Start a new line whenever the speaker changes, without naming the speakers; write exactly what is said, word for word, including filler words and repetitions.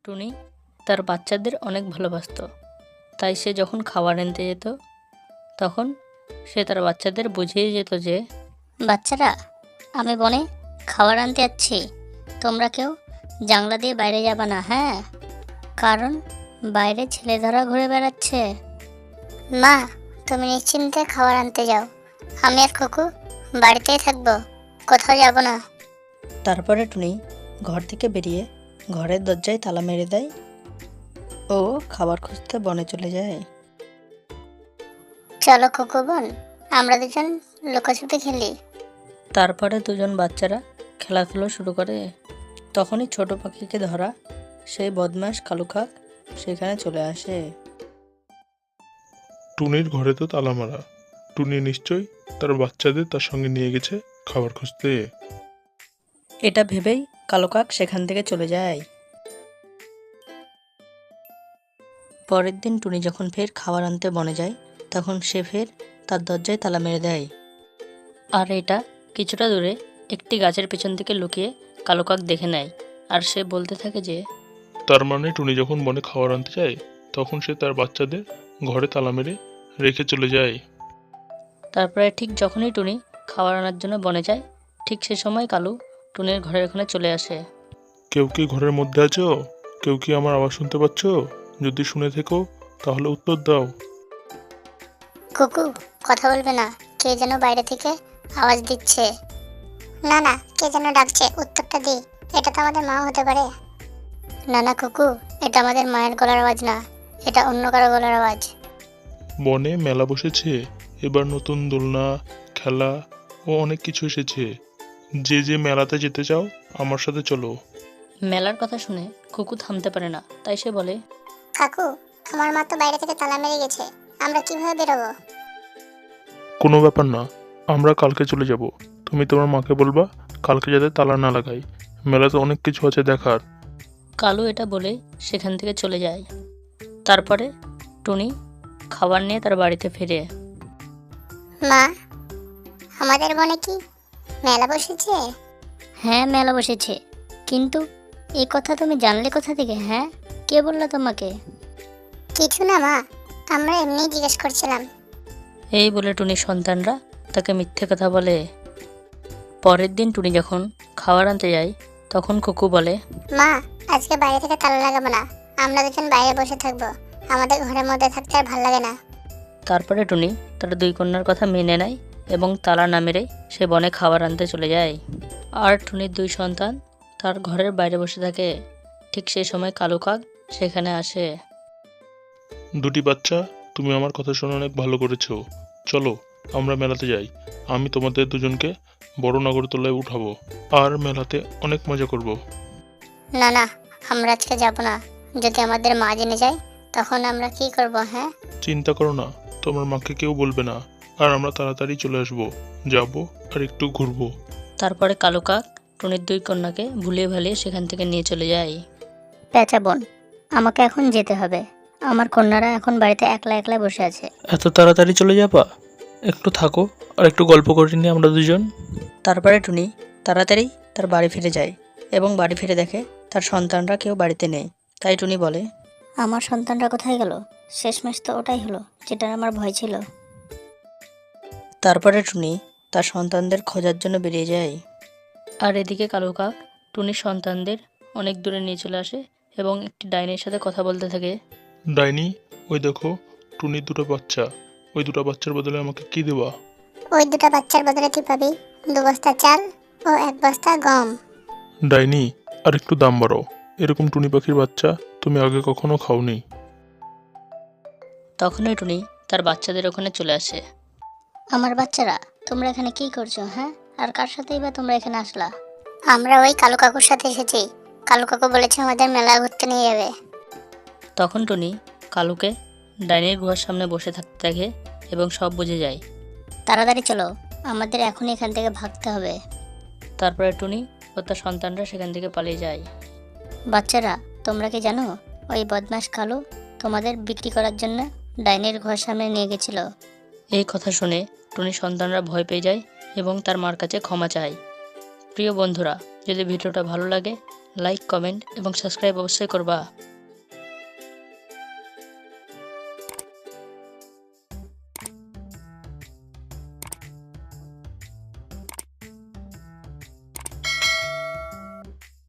টুনি তার বাচ্চাদের অনেক ভালোবাসতো, তাই সে যখন খাবার আনতে যেত তখন সে তার বাচ্চাদের বুঝিয়ে যেত যে,
বাচ্চারা, আমি বনে খাবার আনতে যাচ্ছি, তোমরা কেউ জানলা দিয়ে বাইরে যাবে না, হ্যাঁ? কারণ বাইরে ছেলেধরা ঘুরে বেড়াচ্ছে। মা, তুমি নিশ্চিন্তে খাবার আনতে যাও, আমি আর কুকু বাড়িতেই থাকবো, কোথাও যাব না।
তারপরে টুনি ঘর থেকে বেরিয়ে ঘরের দরজায় তালা মেরে দেয় ও খাবার খুঁজতে বনে চলে যায়।
চলো কুকু বোন, আমরা দুজন লুকোছুপি খেলি।
তারপরে দুজন বাচ্চারা খেলাধুলো শুরু করে। তখনই ছোট পাখিকে ধরা সেই বদমাশ কালু কাক সেখানে চলে আসে।
টুনির ঘরে তো তালা মারা। টুনি নিশ্চয়ই তার বাচ্চাদের তার সঙ্গে নিয়ে গেছে খাবার খুঁজতে।
এটা ভেবেই কালো কাক সেখান থেকে চলে যায়। পরের দিন টুনি যখন ফের খাবার আনতে বনে যায় তখন সে ফের তার দরজায় তালা মেরে দেয়। আর এটা কিছুটা দূরে একটি গাছের পেছন থেকে লুকিয়ে কালো কাক দেখে নেয়। আর সে বলতে থাকে যে,
তার মানে টুনি যখন বনে খাবার আনতে যায় তখন সে তার বাচ্চাদের ঘরে তালা মেরে রেখে চলে যায়।
তারপরে ঠিক যখনই টুনি খাবার আনার জন্য বনে যায় ঠিক সে সময় কালু টুনির ঘরের ওখানে চলে আসে।
কেউ কি ঘরের মধ্যে আছো? কেউ কি আমার আওয়াজ শুনতে পাচ্ছ? যদি শুনে থেকো তাহলে উত্তর দাও।
কুকু, কথা বলবে না, কে যেন বাইরে থেকে আওয়াজ দিচ্ছে। না না, কে যেন ডাকছে, উত্তরটা দি। এটা তো আমাদের মা হতে পারে। না না কুকু, এটা আমাদের মায়ের গলার আওয়াজ না, এটা অন্য কারো গলার আওয়াজ।
বনে মেলা বসেছে, এবার নতুন দোলনা, খেলা ও অনেক কিছু এসেছে। যে যে মেলাতে যেতে চাও আমার সাথে চলো।
মেলার কথা শুনে কুকু থামতে পারে না, তাই সে বলে,
কাকু, আমার মা তো বাইরে থেকে তালা মেরে গেছে, আমরা কিভাবে বেরোবো?
কোনো ব্যাপার না, আমরা কালকে চলে যাব। তুমি তোমার মাকে বলবা কালকে যাতে তালা না লাগাই। মেলাতে অনেক কিছু আছে দেখার।
কালু এটা বলে সেখান থেকে চলে যায়। তারপরে টুনি খাবার নিয়ে তার বাড়িতে ফিরে।
মা, আমাদের বনে কি মেলা বসেছে? হ্যাঁ, মেলা বসেছে, কিন্তু এই কথা তুমি জানলে কোথা থেকে? হ্যাঁ, কে বললো তোমাকে? কিছু না মা, আমরা এমনি জিজ্ঞেস করছিলাম।
এই বলে টুনির সন্তানরা তাকে মিথ্যে কথা বলে। পরের দিন টুনি যখন খাবার আনতে যায় তখন কুকু বলে,
মা, আজকে বাইরে থেকে তালা লাগাবো না, আমরা দুজন বাইরে বসে থাকবো, আমাদের ঘরের মধ্যে থাকতে আর ভালো লাগে না।
তারপরে টুনি তার দুই কন্যার কথা মেনে নেয় এবং তালা না মেরে সে বনে খাবার আনতে চলে যায়। আর টুনির দুই সন্তান তার ঘরের বাইরে বসে থাকে। ঠিক সেই সময় কালু কাক সেখানে আসে।
দুটি বাচ্চা, তুমি আমার কথা শুনে অনেক ভালো করেছো। চলো আমরা মেলাতে যাই। আমি তোমাদের দুজনকে বড় নাগরদোলায় উঠাবো আর মেলাতে অনেক মজা করব।
না না, আমরা আজকে যাব না, যদি আমাদের মা জেনে যায় তখন আমরা কি করব? হ্যাঁ,
চিন্তা করো না, তোমার মাকে কেউ বলবে না। আর আমরা তাড়াতাড়ি চলে আসবো, যাবো আর একটু ঘুরবো।
তারপরে কালু কাক টুনির দুই কন্যাকে ভুলিয়ে ভালিয়ে সেখান থেকে নিয়ে চলে যায়।
পেঁচা বোন, আমাকে এখন যেতে হবে, আমার কন্যারা এখন বাড়িতে একলা একলা বসে আছে।
এত তাড়াতাড়ি চলে যাবা? একটু থাকো আর একটু গল্প করে নিই আমরা দুজন।
তারপরে টুনি তাড়াতাড়ি তার বাড়ি ফিরে যায় এবং বাড়ি ফিরে দেখে তার সন্তানরা কেউ বাড়িতে নেই। তাই টুনি বলে,
আমার সন্তানরা কোথায় গেল? শেষমেশ তো ওটাই হলো যেটার আমার ভয় ছিল।
তারপরে টুনি তার সন্তানদের খোঁজার জন্য বেরিয়ে যায়। আর এদিকে কালু কাক টুনির সন্তানদের অনেক দূরে নিয়ে চলে আসে এবং একটি ডাইনির সাথে কথা বলতে থাকে।
ডাইনি, ওই দেখো টুনির দুটো বাচ্চা। ওই দুটো বাচ্চার বদলে আমাকে কি দেবা?
ওই দুটো বাচ্চার বদলে তুই পাবি দু বস্তা চাল ও এক বস্তা গম।
ডাইনি, আর একটু দাম বাড়াও। এরকম টুনি পাখির বাচ্চা তুমি আগে কখনো খাওনি।
তখনই টুনি তার বাচ্চাদের ওখানে চলে আসে।
আমার বাচ্চারা, তোমরা এখানে কি করছো? হ্যাঁ, আর কার সাথেই বা তোমরা এখানে আসলা? আমরা ওই কালু কাকুর সাথে এসেছি, কালু কাকু বলেছে আমাদের মেলা ঘুরতে নিয়ে যাবে।
তখন টুনি কালুকে ডাইনির গুহার সামনে বসে থাকতে দেখে এবং সব বুঝে যায়।
তাড়াতাড়ি চলো, আমাদের এখনই এখান থেকে ভাগতে হবে।
তারপরে টুনি ও তার সন্তানরা সেখান থেকে পালিয়ে যায়।
বাচ্চারা, তোমরা কি জানো ওই বদমাশ কালু তোমাদের বিক্রি করার জন্য ডাইনির ঘর সামনে নিয়ে গেছিল?
এই কথা শুনে টুনির সন্তানরা ভয় পেয়ে যায় এবং তার মার কাছে ক্ষমা চায়। প্রিয় বন্ধুরা, যদি ভিডিওটা ভালো লাগে লাইক কমেন্ট এবং সাবস্ক্রাইব অবশ্যই করবা।